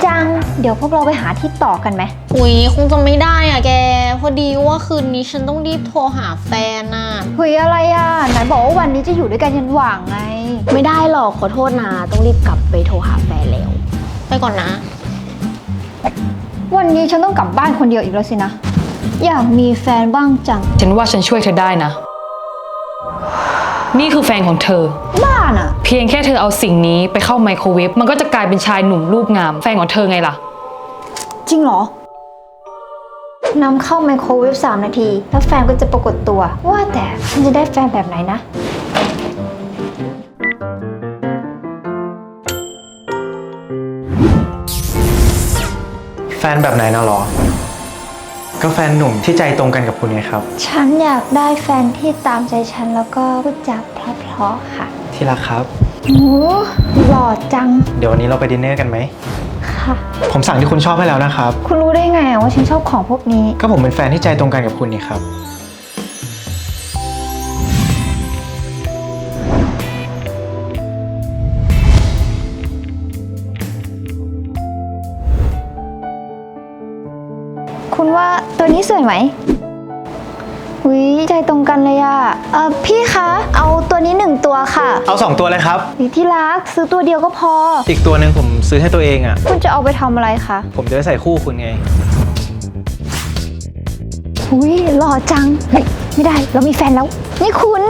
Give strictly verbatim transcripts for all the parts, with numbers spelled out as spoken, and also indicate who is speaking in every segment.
Speaker 1: จังเดี๋ยวพวกเราไปหาที่ต่อกันไหม
Speaker 2: อุ๊ยคงจะไม่ได้อ่ะแกพอดีว่าคืนนี้ฉันต้องรีบโทรหาแฟนน่ะ
Speaker 1: เฮ้ยอะไรอ่ะไหนบอกว่าวันนี้จะอยู่ด้วยกันยันหว่างไง
Speaker 3: ไม่ได้หรอกขอโทษนะต้องรีบกลับไปโทรหาแฟนแล้ว
Speaker 2: ไปก่อนนะ
Speaker 1: วันนี้ฉันต้องกลับบ้านคนเดียวอีกแล้วสินะอยากมีแฟนบ้างจัง
Speaker 4: ฉันว่าฉันช่วยเธอได้นะนี่คือแฟนของเธอ
Speaker 1: บ้าน่ะ
Speaker 4: เพียงแค่เธอเอาสิ่งนี้ไปเข้าไมโครเวฟมันก็จะกลายเป็นชายหนุ่มรูปงามแฟนของเธอไงล่ะ
Speaker 1: จริงเหรอนำเข้าไมโครเวฟสามนาทีแล้วแฟนก็จะปรากฏตัวว่าแต่ฉันจะได้แฟนแบบไหนนะ
Speaker 5: แฟนแบบไหนนะหรอก็แฟนหนุ่มที่ใจตรงกันกับคุณไงครับ
Speaker 1: ฉันอยากได้แฟนที่ตามใจฉันแล้วก็พูดจาเพราะๆค่ะ
Speaker 5: ที่รักครับ
Speaker 1: โอ้หล่อจัง
Speaker 5: เดี๋ยววันนี้เราไปดินเนอร์กันไหม
Speaker 1: ค่ะ
Speaker 5: ผมสั่งที่คุณชอบให้แล้วนะครับ
Speaker 1: คุณรู้ได้ไงว่าฉันชอบของพวกนี้
Speaker 5: ก็ผมเป็นแฟนที่ใจตรงกันกับคุณนี่ครับ
Speaker 1: คุณว่าตัวนี้สวยไหมหุยใจตรงกันเลยอะเออพี่คะเอาตัวนี้หนึ่งตัวค่ะ
Speaker 5: เอาสองตัวเลยครับ
Speaker 1: ที่รักซื้อตัวเดียวก็พอ
Speaker 5: อีกตัวหนึ่งผมซื้อให้ตัวเองอ่ะ
Speaker 1: คุณจะเอาไปทำอะไรคะ
Speaker 5: ผมจะได้ใส่คู่คุณไง
Speaker 1: หุยหล่อจังเฮ้ยไม่ได้เรามีแฟนแล้วนี่คุณ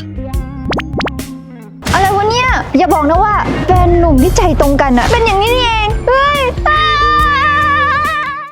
Speaker 1: อะไรวะเนี่ยอย่าบอกนะว่าแฟนหนุ่มที่ใจตรงกันอะเป็นอย่างนี้นี่เอง